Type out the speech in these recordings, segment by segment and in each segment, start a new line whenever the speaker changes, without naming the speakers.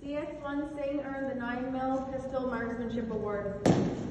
CS1 Singh earned the 9mm Pistol Marksmanship Award.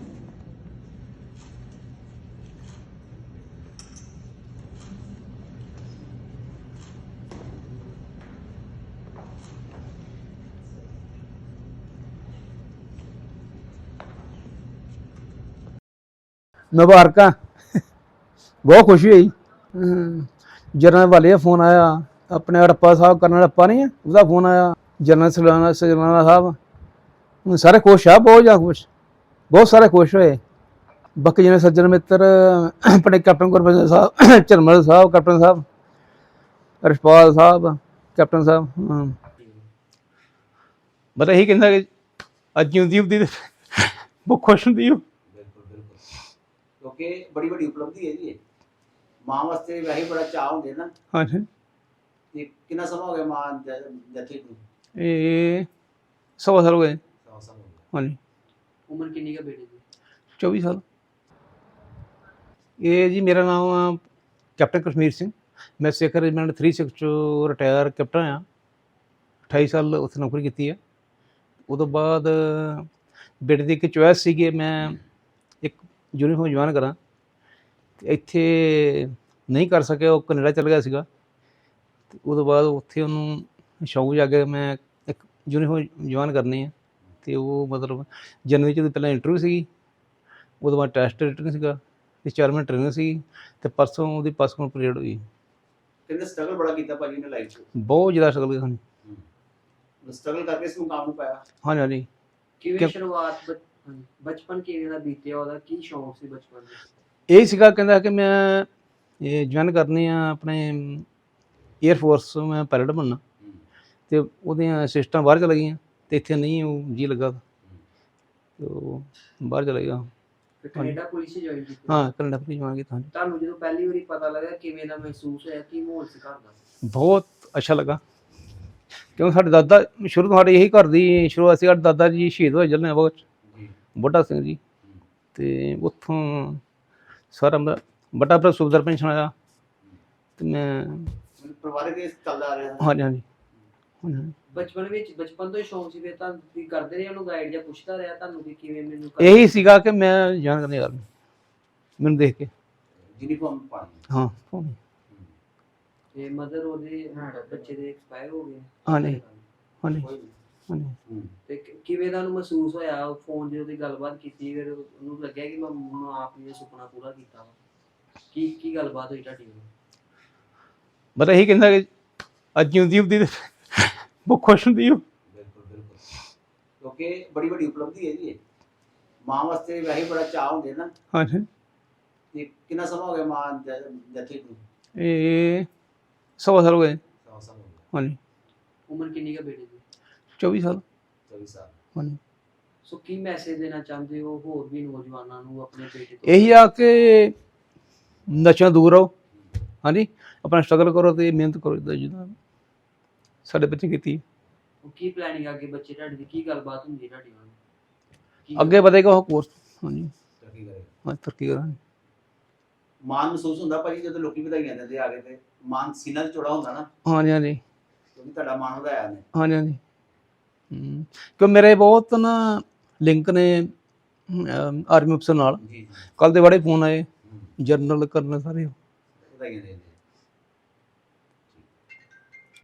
मुबारक बहुत खुशी हुई। जनरल वाले का फोन आया, अपने हड़प्पा साहब कर्नल हड़प्पा नहीं है उसका फोन आया, जनरल सलाना साहब सारे खुश आ, बहुत ज़्यादा खुश, बहुत सारे खुश होए। बाकी जिन्हें सज्जन मित्र अपने कैप्टन गुरबचन साहब, झरमल साहब, कैप्टन साहब, रिशपाल साहब, कैप्टन साहब, मतलब यही कहता कि अज जिंदी होंदी बहुत खुश होंदी।
क्योंकि बड़ी बड़ी उपलब्धि है जी मां वास्ते वैसे बड़ा चाह होंदे ना।
हाँ जी,
ते कितना समय हो गया मां जथे को?
ये 100 साल हो गए।
100 साल हो गया।
हाँ जी।
उम्र कितनी का बेटे की?
24 साल। ये जी मेरा नाम कैप्टन कश्मीर सिंह, मैं सिख रेजिमेंट 36 चो रिटायर कैप्टन हाँ। 28 साल उत्थे नौकरी की है। उस बाद बेटे की एक चॉइस सी कि मैं एक यूनीफॉर्म ज्वाइन करा, ਇੱਥੇ नहीं कर सके, वो कनेडा चल गया ਸੀਗਾ। ਤੇ ਉਹਦੇ ਬਾਅਦ ਉੱਥੇ ਉਹਨੂੰ ਸ਼ੌਕ ਜਾਗਿਆ ਮੈਂ ਇੱਕ ਯੂਨੀਫਾਰਮ ਜੁਆਇਨ ਕਰਨੀ ਹੈ। ਅਤੇ ਉਹ ਮਤਲਬ ਜਨਵਰੀ 'ਚ ਉਹਦੀ ਪਹਿਲਾਂ ਇੰਟਰਵਿਊ ਸੀਗੀ, ਉਹਦੇ ਬਾਅਦ ਟੈਸਟ ਰਿਟਨ ਸੀਗਾ ਅਤੇ 4 ਮਹੀਨੇ ਟ੍ਰੇਨਿੰਗ ਸੀਗੀ ਅਤੇ ਪਰਸੋਂ ਉਹਦੀ ਪਾਸਪੋਰਟ ਪਰੇਡ ਹੋਈ।
ਕਹਿੰਦੇ ਸਟਰਗਲ ਬੜਾ ਕੀਤਾ ਭਾਜੀ ਨੇ ਲਾਈਫ 'ਚ।
ਬਹੁਤ ਜ਼ਿਆਦਾ ਸਟਰਗਲ ਹਨ।
ਸਟਰਗਲ ਕਰਕੇ ਇਸ ਮੁਕਾਮ ਨੂੰ ਪਾਇਆ।
ਹਾਂਜੀ ਹਾਂਜੀ।
ਕਿਵੇਂ ਸ਼ੁਰੂਆਤ ਬਚਪਨ ਕਿਵੇਂ ਦਾ ਬੀਤਿਆ, ਉਹਦਾ ਕੀ ਸ਼ੌਂਕ ਸੀ ਬਚਪਨ ਦਾ?
ਇਹ ਸੀਗਾ, ਕਹਿੰਦਾ ਕਿ ਮੈਂ ਇਹ ਜੁਆਇਨ ਕਰਨੀ ਆ ਆਪਣੇ ਏਅਰ ਫੋਰਸ, ਮੈਂ ਪਾਇਲਟ ਬਣਨਾ। ਅਤੇ ਉਹਦੀਆਂ ਸਿਸਟਾਂ ਬਾਹਰ ਚਲ ਗਈਆਂ ਅਤੇ ਇੱਥੇ ਨਹੀਂ ਉਹ ਜੀ ਲੱਗਾ, ਅਤੇ ਉਹ ਬਾਹਰ ਚਲਾ ਗਿਆ।
ਫਿਰ ਕੈਨੇਡਾ ਪੁਲਿਸ 'ਚ ਜੁਆਇਨ ਕੀਤੀ?
ਹਾਂ, ਕੈਨੇਡਾ ਪੁਲਿਸ ਜੁਆਇਨ ਕੀਤਾ।
ਤੁਹਾਨੂੰ ਜਦੋਂ ਪਹਿਲੀ ਵਾਰੀ ਪਤਾ ਲੱਗਾ ਕਿਵੇਂ ਦਾ ਮਹਿਸੂਸ ਹੋਇਆ, ਕੀ ਮਾਹੌਲ ਸੀ ਘਰ ਦਾ?
ਬਹੁਤ ਅੱਛਾ ਲੱਗਾ, ਕਿਉਂਕਿ ਸਾਡੇ ਦਾਦਾ ਸ਼ੁਰੂ ਤੋਂ ਸਾਡੇ ਇਹੀ ਘਰ ਦੀ ਸ਼ੁਰੂਆਤ ਸੀ। ਸਾਡੇ ਦਾਦਾ ਜੀ ਸ਼ਹੀਦ ਹੋਏ ਜਲਿਆਂਵਾਲਾ ਬਾਗ 'ਚ, ਬੁੱਢਾ ਸਿੰਘ ਜੀ, ਅਤੇ ਉੱਥੋਂ ਸਾਰਾ ਮੇਰਾ ਵੱਡਾ ਭਰਾ ਸੂਬੇਦਾਰ ਪੈਨਸ਼ਨ ਆਇਆ ਅਤੇ ਮੈਂ
ਪਰਿਵਾਰਕ ਇਸ ਚੱਲਦਾ ਆ ਰਿਹਾ।
ਹਾਂਜੀ ਹਾਂਜੀ ਹਾਂਜੀ।
ਬਚਪਨ ਤੋਂ ਹੀ ਸ਼ੌਂਕ ਸੀ ਫਿਰ ਤਾਂ ਤੁਸੀਂ ਕਰਦੇ ਰਹੇ ਉਹਨੂੰ ਗਾਈਡ ਜਾਂ ਪੁੱਛਦਾ ਰਿਹਾ ਤੁਹਾਨੂੰ ਕਿ ਕਿਵੇਂ ਮੈਨੂੰ
ਇਹੀ ਸੀਗਾ ਕਿ ਮੈਂ ਜਾਣ ਕਰਨੀ ਗੱਲ ਮੈਨੂੰ ਦੇਖ ਕੇ।
ਯੂਨੀਫਾਰਮ ਪਾਣੀ।
ਹਾਂ
ਤੇ ਮਦਰ ਉਹਦੇ ਬੱਚੇ ਦੇ ਐਕਸਪਾਇਰ ਹੋ ਗਏ?
ਹਾਂਜੀ ਹਾਂਜੀ ਹਾਂਜੀ।
ਤੇ ਕਿਵੇਂ ਦਾ ਉਹਨੂੰ ਮਹਿਸੂਸ ਹੋਇਆ ਫੋਨ ਜਦੋਂ ਦੀ ਗੱਲਬਾਤ ਕੀਤੀ, ਫਿਰ ਉਹਨੂੰ ਲੱਗਿਆ ਕਿ ਮੈਂ ਆਪ ਨੇ ਸੁਪਨਾ ਪੂਰਾ ਕੀਤਾ ਵਾ? ਕੀ ਗੱਲਬਾਤ ਹੋਈ ਤੁਹਾਡੀ?
ਮਤਲਬ ਇਹੀ ਕਹਿੰਦਾ ਕਿ ਅੱਜ ਜਿਉਂਦੀ ਹੁੰਦੀ ਬਹੁਤ ਖੁਸ਼ ਹੁੰਦੀ ਉਹ।
ਬਿਲਕੁਲ ਬਿਲਕੁਲ। ਕਿਉਂਕਿ ਬੜੀ ਵੱਡੀ ਉਪਲਬਧੀ ਹੈ ਜੀ ਮਾਂ ਵਾਸਤੇ ਵੈਸੇ ਬੜਾ ਚਾਹ ਹੁੰਦੇ ਨਾ।
ਹਾਂਜੀ।
ਤੇ ਕਿੰਨਾ ਸਮਾਂ ਹੋ ਗਿਆ ਮਾਂ ਜਥੇ को?
ਇਹ 100 ਸਾਲ ਹੋ ਗਏ।
100 ਸਾਲ ਹੋ ਗਏ।
ਹਾਂਜੀ।
ਉਮਰ ਕਿੰਨੀ ਕਾ ਬੇਟੇ ਦੀ?
24 ਸਾਲ।
24 ਸਾਲ।
ਹਾਂਜੀ।
ਸੋ ਕੀ ਮੈਸੇਜ ਦੇਣਾ ਚਾਹੁੰਦੇ ਹੋ ਹੋਰ ਵੀ ਨੌਜਵਾਨਾਂ ਨੂੰ ਆਪਣੇ ਬੇਟੇ ਤੋਂ?
ਇਹੀ ਆ ਕਿ ਨਸ਼ਿਆਂ ਦੂਰ ਰਹੋ। ਹਾਂਜੀ, ਆਪਣਾ ਸਟਰਗਲ ਕਰੋ ਅਤੇ ਮਿਹਨਤ ਕਰੋ, ਜਿੱਦਾਂ ਸਾਡੇ ਬੱਚੇ ਕੀਤੀ।
ਕੀ ਪਲੈਨਿੰਗ ਅੱਗੇ ਬੱਚੇ ਤੁਹਾਡੇ ਦੀ, ਕੀ ਗੱਲਬਾਤ ਹੁੰਦੀ ਤੁਹਾਡੀ ਨਾਲ?
ਅੱਗੇ ਵਧੇਗਾ ਉਹ ਕੋਰਸ। ਹਾਂਜੀ,
ਤਰੱਕੀ ਕਰੇਗਾ।
ਹਾਂ ਤਰੱਕੀ ਕਰਾਂਗੇ।
ਮਾਣ ਮਹਿਸੂਸ ਹੁੰਦਾ ਭਾਜੀ ਜਦੋਂ ਲੋਕੀ ਵਧਾਈਆਂ ਦਿੰਦੇ ਆ ਕੇ, ਤੇ ਮਾਣ ਸੀਨਾ 'ਚ ਚੌੜਾ ਹੁੰਦਾ ਨਾ,
ਹਾਂਜੀ ਹਾਂਜੀ
ਕਿਉਂਕਿ ਤੁਹਾਡਾ ਮਾਣ ਵਧਾਇਆ ਨੇ।
ਹਾਂਜੀ ਹਾਂਜੀ। ਕਿਉਂ ਮੇਰੇ ਬਹੁਤ ਨਾ ਲਿੰਕ ਨੇ ਆਰਮੀ ਅਫਸਰ ਨਾਲ।
ਜੀ ਜੀ।
ਕੱਲ੍ਹ ਦੇ ਬੜੇ ਫੋਨ ਆਏ, ਜਨਰਲ ਕਰਨਲ ਸਾਰੇ
ਵਧਾਈਆਂ ਦੇ